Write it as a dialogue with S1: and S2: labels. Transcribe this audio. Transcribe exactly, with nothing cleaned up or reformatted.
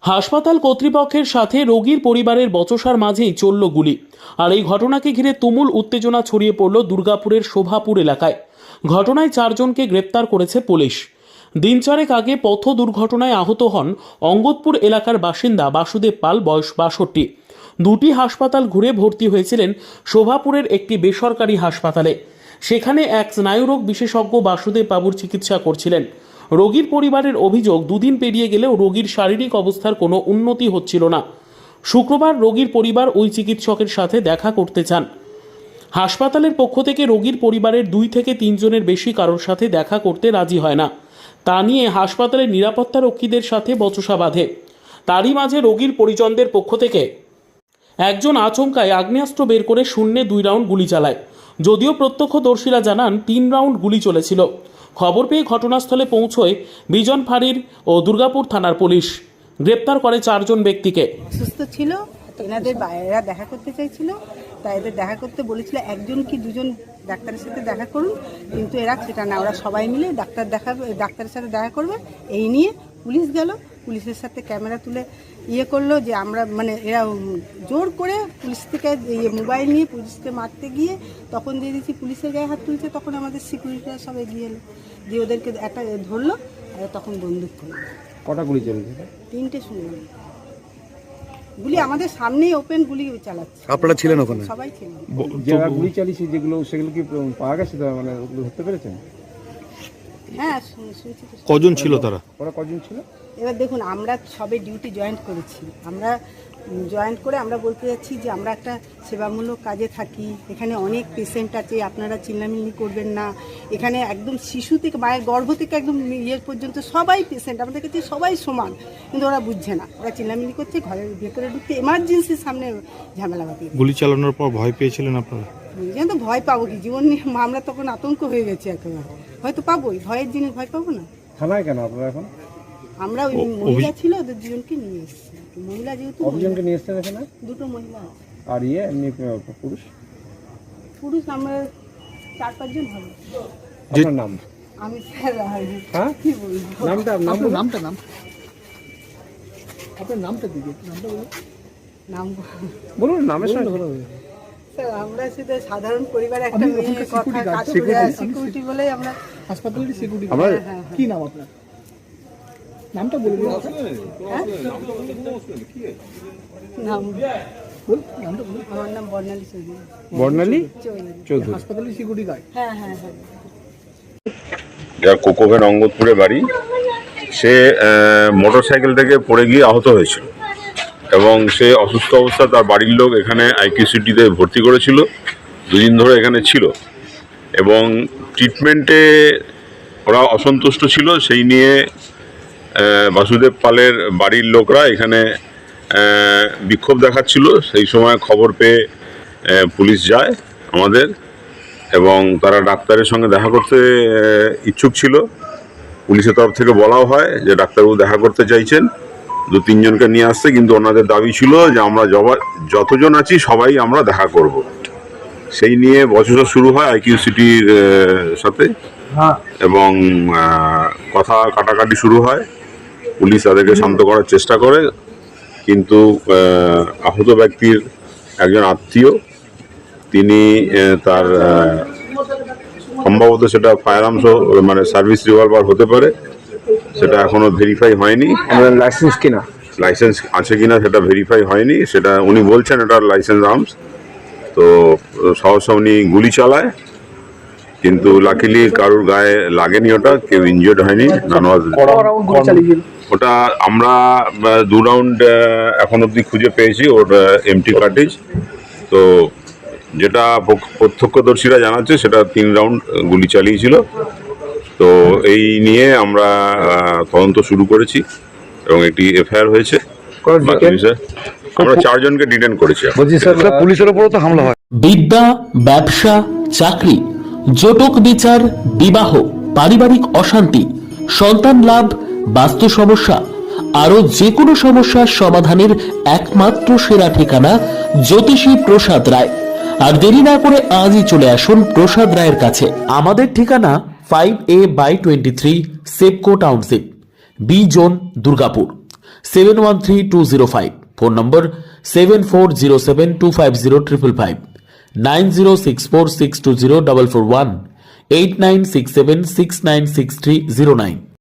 S1: হাসপাতাল কর্তৃপক্ষের সাথে রোগীর পরিবারের বচসার মাঝেই চলল গুলি। আর এই ঘটনাকে ঘিরে তুমুল উত্তেজনা ছড়িয়ে পড়ল দুর্গাপুরের শোভাপুর এলাকায়। ঘটনায় চারজনকে গ্রেপ্তার করেছে পুলিশ। দিন চারেক আগে পথ দুর্ঘটনায় আহত হন অঙ্গদপুর এলাকার বাসিন্দা বাসুদেব পাল, বয়স বাষট্টি। দুটি হাসপাতাল ঘুরে ভর্তি হয়েছিলেন শোভাপুরের একটি বেসরকারি হাসপাতালে। সেখানে এক স্নায়ুরোগ বিশেষজ্ঞ বাসুদেব বাবুর চিকিৎসা করছিলেন। রোগীর পরিবারের অভিযোগ, দুদিন পেরিয়ে গেলেও রোগীর শারীরিক অবস্থার কোনো উন্নতি হচ্ছিল না। শুক্রবার রোগীর পরিবার ওই চিকিৎসকের সাথে দেখা করতে চান। হাসপাতালের পক্ষ থেকে রোগীর পরিবারের দুই থেকে তিনজনের বেশি কারোর সাথে দেখা করতে রাজি হয় না। তা নিয়ে হাসপাতালের নিরাপত্তারক্ষীদের সাথে বচসা বাঁধে। তারই মাঝে রোগীর পরিজনদের পক্ষ থেকে একজন আচমকায় আগ্নেয়াস্ত্র বের করে শূন্যে দুই রাউন্ড গুলি চালায়। যদিও প্রত্যক্ষদর্শীরা জানান তিন রাউন্ড গুলি চলেছিল। খবর পেয়ে ঘটনাস্থলে পৌঁছয় বিজন ফাঁড়ির ও দুর্গাপুর থানার পুলিশ। গ্রেপ্তার করে চারজন ব্যক্তিকে।
S2: সুস্থ ছিল, এনাদের বাইরেরা দেখা করতে চাইছিল, তাই এদের দেখা করতে বলেছিল একজন কি দুজন ডাক্তারের সাথে দেখা করুন, কিন্তু এরা সেটা না, ওরা সবাই মিলে ডাক্তার দেখাবে, ডাক্তারের সাথে দেখা করবে। এই নিয়ে পুলিশ গেল, পুলিশের সাথে ক্যামেরা তুলে ইয়ে করলো যে আমরা মানে এরা জোর করে পুলিশ থেকে ইয়ে মোবাইল নিয়ে পুলিশকে মারতে গিয়ে তখন দিয়ে দিচ্ছি পুলিশের গায়ে হাত তুলছে। তখন আমাদের সিকিউরিটিরা সব এগিয়ে এলো, দিয়ে ওদেরকে একটা ধরলো আর তখন বন্দুক করলো।
S3: কটা গুলি চলেছে?
S2: তিনটে শুনলাম গুলি, আমাদের সামনেই ওপেন গুলি চালাচ্ছে।
S3: আপনারা ছিলেন ওখানে?
S2: সবাই ছিলেন।
S3: যারা গুলি চালিয়েছে যেগুলো, সেগুলো কি পাওয়া গেছে, মানে ওগুলো ধরতে পেরেছেন?
S2: হ্যাঁ শুনছি।
S3: কজন ছিল তারা? ওরা কজন ছিল?
S2: এবার দেখুন, আমরা সবে ডিউটি জয়েন্ট করেছি। আমরা জয়েন্ট করে আমরা বলতে যাচ্ছি যে আমরা একটা সেবামূলক কাজে থাকি, এখানে অনেক পেশেন্ট আছে, আপনারা চিল্লামিল্লি করবেন না। এখানে একদম শিশু থেকে মায়ের গর্ভ থেকে একদম ইয়ে পর্যন্ত সবাই পেশেন্ট, আমাদের কাছে সবাই সমান, কিন্তু ওরা বুঝছে না। ওরা চিল্লামিল্লি করছে, ঘরের ভেতরে ঢুকতে এমার্জেন্সির সামনে ঝামেলা বাতিল।
S3: গুলি চালানোর পর ভয় পেয়েছিলেন আপনারা?
S2: বুঝলেন তো, ভয় পাবো কি, জীবন নিয়ে আমরা তখন আতঙ্ক হয়ে গেছি একেবারে। হয়তো পাবোই, ভয়ের জিনিস ভয় পাবো না।
S3: থানায় কেন আপনারা এখন?
S2: আমরা ওই মহিলা ছিল, ওদের দুজনকে নিয়ে এসেছি। মহিলা যেহেতু
S3: অভিযানকে নিয়ে এসেছেন এখানে?
S2: দুটো মহিলা।
S3: আর ইয়ে এমনি পুরুষ?
S2: পুরুষ আমরা চার পাঁচজন হবে।
S3: আপনার নাম?
S2: আমি স্যার।
S3: হ্যাঁ
S2: কি বলবো?
S3: নামটা
S4: আপনার নামটা নাম আপনার নামটা দিদি, নামটা বলুন।
S2: নাম
S3: বলুন, নামের সঙ্গে
S2: স্যার আমরা শুধু সাধারণ পরিবারে একটা মেয়ে কথা কাজ করে সিকিউরিটি বলেই আমরা
S4: হাসপাতালের সিকিউরিটি।
S3: আমরা
S4: কি নাম আপনার? নামটা বলে দিন।
S2: নাম
S4: বল, নামটা বলুন।
S2: আমার নাম বর্ণালী চৌধুরী।
S3: বর্ণালী
S2: চৌধুরী।
S3: চৌধুরী।
S4: হাসপাতালের সিকিউরিটি গার্ড।
S2: হ্যাঁ হ্যাঁ হ্যাঁ।
S5: যার কোকোভেন অঙ্গদপুরে বাড়ি, সে মোটর সাইকেল থেকে পড়ে গিয়ে আহত হয়েছিল এবং সে অসুস্থ অবস্থা তার বাড়ির লোক এখানে আইকিউসিটিতে ভর্তি করেছিল। দুদিন ধরে এখানে ছিল এবং ট্রিটমেন্টে ওরা অসন্তুষ্ট ছিল। সেই নিয়ে বাসুদেব পালের বাড়ির লোকরা এখানে বিক্ষোভ দেখাচ্ছিল। সেই সময় খবর পেয়ে পুলিশ যায় আমাদের, এবং তারা ডাক্তারের সঙ্গে দেখা করতে ইচ্ছুক ছিল। পুলিশের তরফ থেকে বলাও হয় যে ডাক্তারবাবু দেখা করতে চাইছেন, দু তিনজনকে নিয়ে আসছে, কিন্তু ওনাদের দাবি ছিল যে আমরা যতজন আছি সবাই আমরা দেখা করব। সেই নিয়ে বচসা শুরু হয় আইকিউসিটির সাথে এবং কথা কাটাকাটি শুরু হয়। পুলিশ তাদেরকে শান্ত করার চেষ্টা করে, কিন্তু আহত ব্যক্তির একজন আত্মীয়, তিনি তার সম্ভবত সেটা ফায়ার আর্মস মানে সার্ভিস রিভলভার হতে পারে, সেটা এখনো ভেরিফাই হয়নি।
S3: লাইসেন্স কিনা
S5: লাইসেন্স আছে কিনা সেটা ভেরিফাই হয়নি, সেটা উনি বলছেন এটা লাইসেন্স আর্মস। তো সহসা উনি গুলি চালায়, কিন্তু লাকিলি কারুর গায়ে লাগেনি, ওটা কেউ ইনজিওর্ড হয়নি। ওটা আমরা দু রাউন্ড এখন অব্দি খুঁজে পেয়েছি, ওর এমটি কার্টেজ। তো যেটা প্রত্যক্ষদর্শীরা জানাচ্ছে সেটা তিন রাউন্ড গুলি চালিয়েছিল। তো এই নিয়ে আমরা তদন্ত শুরু করেছি এবং একটি এফআইআর হয়েছে। আমরা চারজনকে ডিটেন করেছি।
S3: পুলিশের উপরও তো হামলা হয়।
S1: বিদ্যা, ব্যবসা, চাকরি, জটক বিচার, বিবাহ, পারিবারিক অশান্তি, সন্তান লাভ, বাস্তু সমস্যা, আরো যে কোনো সমস্যার সমাধানের একমাত্র সেরা ঠিকানা জ্যোতিষী প্রসাদ রায়। আর দেরি না করে আজই চলে আসুন প্রসাদ রায়ের কাছে। আমাদের ঠিকানা five A by twenty three Sepco township, B zone, Durgapur. Seven one three two zero five, phone number seven four zero seven two five zero triple five, nine zero six four six two zero double four one, eight nine six seven six nine six three zero nine.